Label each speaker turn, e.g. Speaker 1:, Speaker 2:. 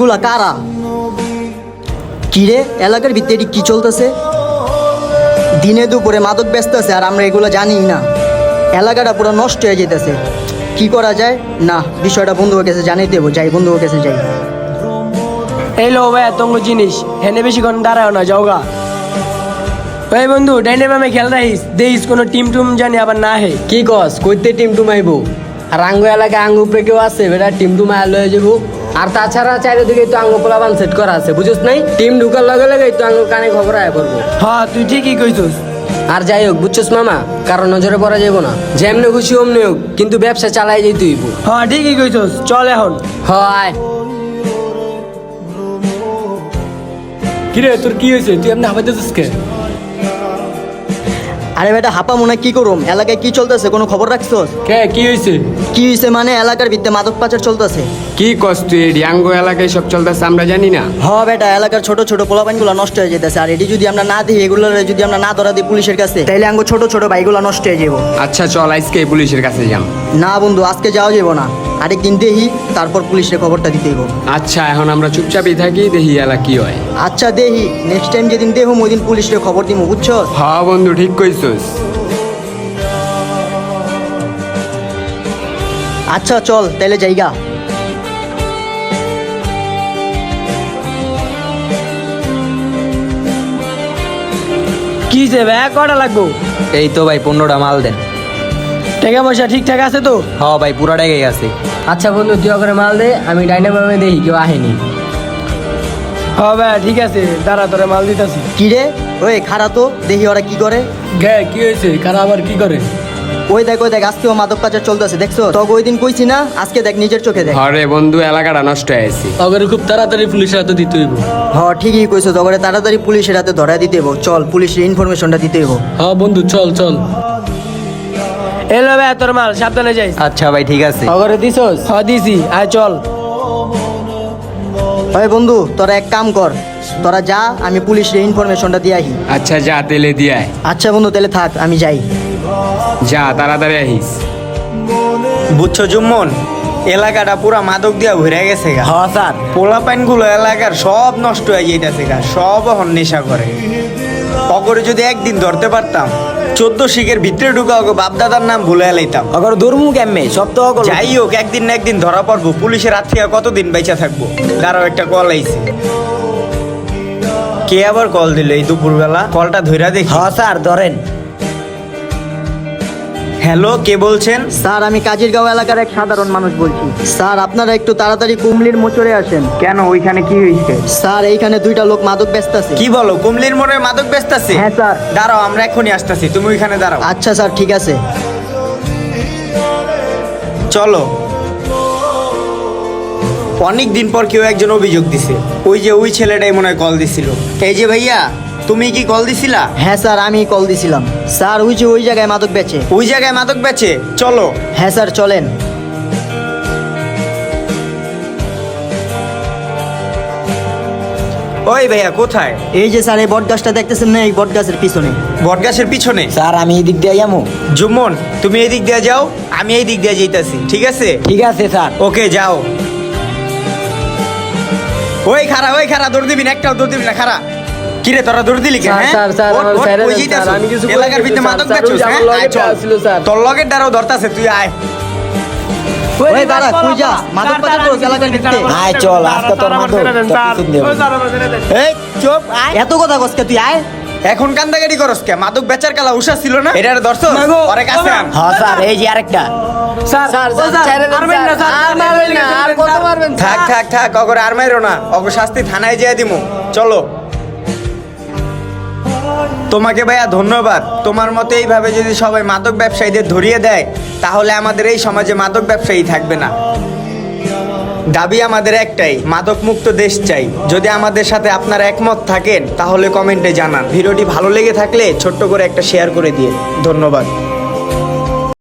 Speaker 1: এগুলা কারা? কিরে এলাকার ভিতরে কি চলতেছে? দিনে দুপুরে মাদক ব্যস্ত আছে আর আমরা এগুলো জানি না। এলাকাটা পুরো নষ্ট হয়ে যেতেছে। কি করা যায়? না, বিষয়টা বন্ধুর কাছে জানিয়ে দেবো। যাই, বন্ধুর কাছে যাই।
Speaker 2: এই লো ভাই তোমার জিনিস হেনে বেশিক্ষণ দাঁড়াও না, যাওগা। ওই বন্ধু ডাইনে বামে খেল রাখিস, দেখিস কোনো টিম টুম জানি আবার না হে।
Speaker 3: কি কস কইতে টিম টুমাইবো? আর আঙ্গু এলাকায় আঙ্গু উপরে কেউ আছে বেটা টিম টুমায় লয়ে যাবো। আর তাছাড়া চারিদিকে তো আঙ্গু পোলাবান সেট করা আছে, বুঝছ নাই? টিম ঢুকার লগে লগে তো আঙ্গু কানে খবর আয় পড়বো।
Speaker 2: হ্যাঁ তুই ঠিকই কইছস।
Speaker 3: আর যাই হোক বুঝছস মামা, কারণ নজরে পড়া যাবো না। যেমনি খুশি অমনি হোক, কিন্তু ব্যবসা চালাই যেতে হইব।
Speaker 2: হ্যাঁ ঠিকই কইছস, চল এখন।
Speaker 3: হয়
Speaker 4: কিরে তোর কি হয়েছে? তুই এমনি হাবাইতেছিস কে?
Speaker 1: আরে বেটা হাপা মনে কি করুম? এলাকায় কি চলতেছে কোনো খবর রাখছস?
Speaker 4: কে কি হয়েছে?
Speaker 1: কি হয়েছে মানে এলাকার ভিতরে মাদক পাচার চলতেছে।
Speaker 5: কি কস তুই? ডিয়াঙ্গো এলাকায় সব চলতেছে আমরা জানি না।
Speaker 1: হ বেটা, এলাকার ছোট ছোট পোলাপাইনগুলো নষ্ট হয়ে যেতেছে। আর এটি যদি আমরা না দিই, এগুলো যদি আমরা না ধরা দিই পুলিশের কাছে, তাইলে আঙ্গো ছোট ছোট ভাইগুলো নষ্ট হয়ে যাবো।
Speaker 5: আচ্ছা চল আজকে পুলিশের কাছে যাম।
Speaker 1: না বন্ধু, আজকে যাওয়া যাবো না। আরেকদিন দেখি, তারপর পুলিশের খবরটা দিতে হইব।
Speaker 5: আচ্ছা এখন আমরা চুপচাপই থাকি, দেখি এলা কি হয়।
Speaker 1: আচ্ছা দেখি, নেক্সট টাইম যেদিন দেখুম ওই দিন পুলিশের খবর দিব, বুঝছো?
Speaker 5: হ্যাঁ বন্ধু ঠিক কইছস।
Speaker 1: আচ্ছা চল তাইলে যাইগা।
Speaker 2: কি যে ভাই কটা লাগবো?
Speaker 6: এই তো ভাই 15টা মাল দেন।
Speaker 2: টাকা পয়সা ঠিকঠাক আছে তো?
Speaker 6: হ ভাই পুরাটাই গেছে।
Speaker 3: আচ্ছা বন্ধু তুই করে মাল দে, আমি ডাইনে বামে দেখি কেউ আহেনি।
Speaker 2: হ্যাঁ ভাই ঠিক আছে, দাঁড়া তোরে মাল দিতেছি।
Speaker 1: কি রে ওই খারা তো দেখি ওরা কি করে।
Speaker 4: গে কি হয়েছে? কারা আবার কি করে?
Speaker 1: ওই দেখ আজকেও মাদক পাচার চলতেছে, দেখছো? তবে ওই দিন কইছি না, আজকে দেখ নিজের চোখে দেখ।
Speaker 5: হরে বন্ধু এলাকাটা নষ্ট হয়েছে।
Speaker 4: আবার খুব তাড়াতাড়ি পুলিশের হাতে দিতে হইব।
Speaker 1: হ ঠিকই কইছো, তবে তাড়াতাড়ি পুলিশের হাতে ধরা দিতে হইব। চল পুলিশের ইনফরমেশনটা দিতে হইব।
Speaker 4: হ্যাঁ বন্ধু চল চল।
Speaker 2: এলো ভাই তোর মাল, সাবধানে যাইস।
Speaker 6: আচ্ছা ভাই ঠিক আছে।
Speaker 2: খবরে দিছস? হ্যাঁ দিছি, আয় চল।
Speaker 1: ওই বন্ধু তোরা এক কাম কর, তোরা যা, আমি পুলিশের ইনফরমেশনটা দিয়ে আহি।
Speaker 5: আচ্ছা যা তেলে দিয়ায়।
Speaker 1: আচ্ছা বন্ধু তাহলে থাক, আমি যাই।
Speaker 5: যা তাড়াতাড়ি আহিস।
Speaker 7: বুঝছো জুম্মন, এলাকাটা পুরা মাদক দিয়া ভরে গেছে গা।
Speaker 6: হ্যাঁ স্যার।
Speaker 7: পোলাপাইন গুলো এলাকার সব নষ্ট হয়ে যাইতেছে গা, সব এখন নেশা করে। অগরে যদি একদিন ধরতে পারতাম, 14 শিখের ভিতরে ঢুকা ওকে বাপদাদার নাম ভুলে এলাইতাম।
Speaker 6: অগর দুর্মু কেমনে সব তো অগর।
Speaker 7: যাই হোক একদিন না একদিন ধরা পড়বো। পুলিশের হাত থেকে কতদিন বেঁচে থাকবো? দাঁড়াও একটা কল আইছে। কে আবার কল দিল এই দুপুরবেলা? কলটা ধইরা দেখি।
Speaker 6: হ্যাঁ স্যার ধরেন।
Speaker 7: হ্যালো, কে বলছেন?
Speaker 1: স্যার আমি কাজিরগাঁও এলাকার এক সাধারণ মানুষ বলছি। স্যার আপনারা একটু তাড়াতাড়ি কুমলির মোচরে আসেন।
Speaker 7: কেন, ওইখানে কি হয়েছে?
Speaker 1: স্যার এইখানে দুইটা লোক মাদক ব্যস্ত আছে।
Speaker 7: কি বলো, কুমলির মোড়ে মাদক ব্যস্ত আছে?
Speaker 1: হ্যাঁ স্যার।
Speaker 7: দাঁড়াও আমরা এখনই আসতেছি, তুমি ওইখানে দাঁড়াও।
Speaker 1: আচ্ছা স্যার ঠিক আছে।
Speaker 7: চলো। অনেক দিন পর কেউ একজন অভিযোগ দিছে। ওই যে ওই ছেলেটাই মনে হয় কল দিছিল। এই যে ভাইয়া, তুমি কি কল দিছিলা?
Speaker 1: হ্যাঁ স্যার আমি কল দিছিলাম। স্যার ওই যে ওই জায়গায় মাদক বেচে।
Speaker 7: ওই জায়গায় মাদক বেচে? চলো।
Speaker 1: হ্যাঁ স্যার চলেন।
Speaker 7: ওই ভাইয়া কোথায়?
Speaker 1: এই যে স্যার এই বট গাছটা দেখতেছেন না, এই বট গাছের পিছনে।
Speaker 7: বটগাছের পিছনে?
Speaker 6: স্যার আমি এই দিক দিয়ে যাবো।
Speaker 7: জুম্মন তুমি এই দিক দিয়ে যাও, আমি এই দিক দিয়ে যাইতাছি, ঠিক আছে?
Speaker 6: ঠিক আছে স্যার।
Speaker 7: ওকে যাও। ওই খারা দৌড় দিবি না, একটাও দৌড় দিবি না, খারা। কিরে তোরা দৌড় দিলি কেন?
Speaker 2: স্যার, স্যার,
Speaker 7: ওঠ,
Speaker 2: আমার
Speaker 7: ওঠ,
Speaker 2: ছেড়ে
Speaker 7: ওই
Speaker 2: দেন,
Speaker 7: যাইতাছো।
Speaker 2: স্যার, আমি কিছু করি
Speaker 7: এলাকার
Speaker 2: নাই,
Speaker 7: ভিতরে
Speaker 2: স্যার,
Speaker 7: মাদক
Speaker 2: স্যার,
Speaker 7: বেচছিস,
Speaker 2: ওই যে আমার
Speaker 7: হ্যাঁ?
Speaker 2: লগের
Speaker 7: আয়, চল।
Speaker 2: দ্বারা ছিল, স্যার।
Speaker 7: তোর লগের দ্বারাও ধরতাছে, তুই আয়।
Speaker 1: ওই দাঁড়া, কই যা? মাদক পাচার করছ এলাকার ভিতরে?
Speaker 6: আয় চল আজকে তোর মাদক তোর পিছন দেব।
Speaker 7: এই চুপ, আয়।
Speaker 1: এত কথা কসকে তুই আয়।
Speaker 7: এখন কান্দাগাড়ি করস কে? মাদক বেচার কালা উষা ছিল না? এটার দর্শক পরে কাছে আন।
Speaker 6: হ্যাঁ স্যার এই যে আরেকটা।
Speaker 2: স্যার ছেড়ে দেন,
Speaker 3: মারবেন না, স্যার,
Speaker 2: আর মারবেন না, আর কত মারবেন?
Speaker 7: থাক অগরে আর মাইরো না, অগ শাস্তি থানায় যেয়ে দিমু। চলো। তোমাকে ভাইয়া ধন্যবাদ। তোমার মতে এইভাবে যদি সবাই মাদক ব্যবসায়ীদের ধরিয়ে দেয়, তাহলে আমাদের এই সমাজে মাদক ব্যবসায়ী থাকবে না। দাবি আমাদের একটাই, মাদক মুক্ত দেশ চাই। যদি আমাদের সাথে আপনারা একমত থাকেন তাহলে কমেন্টে জানান। ভিডিওটি ভালো লেগে থাকলে ছোট্ট করে একটা শেয়ার করে দিয়ে। ধন্যবাদ।